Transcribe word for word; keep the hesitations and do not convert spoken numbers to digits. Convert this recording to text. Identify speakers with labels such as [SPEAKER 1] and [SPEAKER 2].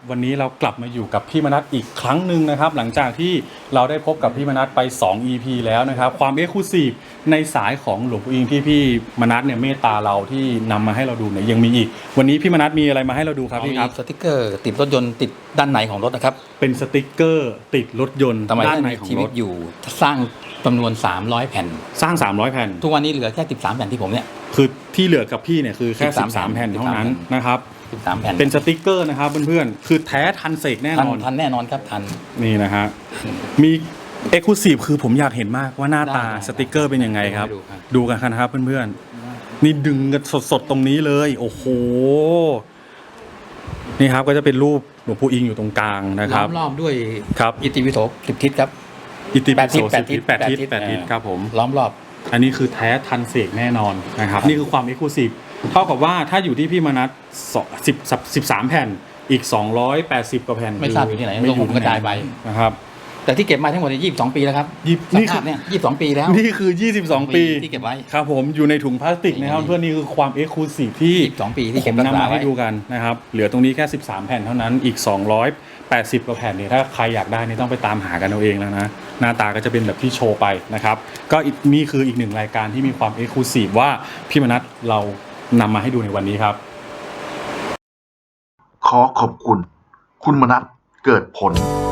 [SPEAKER 1] วันนี้เรากลับมาอยู่กับพี่มนัสอีกครั้งหนึ่งนะครับหลังจากที่เราได้พบกับพี่มนัสไปสอง อี พี แล้วนะครับความเอ็กซ์คลูซีฟในสายของหลวงปู่อิงที่พี่มนัสเนี่ยเมตตาเราที่นำมาให้เราดูเนี่ยยังมีอีกวันนี้พี่มนัสมีอะไรมาให้เราดูครับพี่ครับ
[SPEAKER 2] สติกเกอร์ติดรถยนต์ติดด้านในของรถนะครับ
[SPEAKER 1] เป็นสติกเกอร์ติดรถยนต์ด้านในของรถ
[SPEAKER 2] อยู่สร้างจำนวนสามร้อยแผ่น
[SPEAKER 1] สร้างสามร้อยแผ่น
[SPEAKER 2] ทุกวันนี้เหลือแค่สิบสามแผ่นที่ผมเนี่ย
[SPEAKER 1] คือที่เหลือกับพี่เนี่ยคือแค่สิบสามแผ่นเท่านั้นนะครับ
[SPEAKER 2] สิบสามแผ่น
[SPEAKER 1] เป็นสติกเกอร์นะครับเพื่อนๆคือแท้ทันเสกแน่นอน
[SPEAKER 2] ทันแน่นอนครับทัน
[SPEAKER 1] นี่นะฮะมีเอ็กซ์คลูซีฟคือผมอยากเห็นมากว่าหน้าตาสติกเกอร์เป็นยังไงครับดูกันนะครับเพื่อนๆนี่ดึงกันสดๆตรงนี้เลยโอ้โหนี่ครับก็จะเป็นรูปหลวงปู่อิงอยู่ตรงกลางนะครับ
[SPEAKER 2] ล้อมรอบด้วย
[SPEAKER 1] ครับ
[SPEAKER 2] อิติปิโสสิบทิศครับ
[SPEAKER 1] อิติปิโสสิบทิศแปดทิศแปดทิศครับผม
[SPEAKER 2] ล้อมรอบ
[SPEAKER 1] อันนี้คือแท้ทันเสกแน่นอนนะครับนี่คือความเอ็กซ์คลูซีฟเท่ากับว่าถ้าอยู่ที่พี่มนัสสิบสิบสามแผ่นอีกสองร้อยแปดสิบกว่าแผ่น
[SPEAKER 2] ไม่ทราบอยู่ที่ไหนลงหุ่นกระจายไป
[SPEAKER 1] นะครับ
[SPEAKER 2] แต่ที่เก็บมาทั้งหมดยี่สิบสองปีแล้วครับนี่คือเนี่ยยี่สิบสองปีแล้ว
[SPEAKER 1] นี่คือยี่สิบสองปี
[SPEAKER 2] ที่เก็บไว้
[SPEAKER 1] ครับผมอยู่ในถุงพลาสติกนะครับเพื่อนนี่คือความเอ็กซ์คลูซีฟที่
[SPEAKER 2] ยี่สิบสองปีที่เก็บ
[SPEAKER 1] นำมาให้ดูกันนะครับเหลือตรงนี้แค่สิบสามแผ่นเท่านั้นอีกสองร้อยแปดสิบกว่าแผ่นเนี่ยถ้าใครอยากได้นี่ต้องไปตามหากันเอาเองแล้วนะหน้าตาก็จะเป็นแบบที่โชว์ไปนะครับก็นี่คืออีกหนึ่งรายการที่มีความเอ็กซ์คลูซีฟว่าพี่มนัสเรานำมาให้ดูในวันนี้ครับ
[SPEAKER 3] ขอขอบคุณคุณมนัสเกิดผล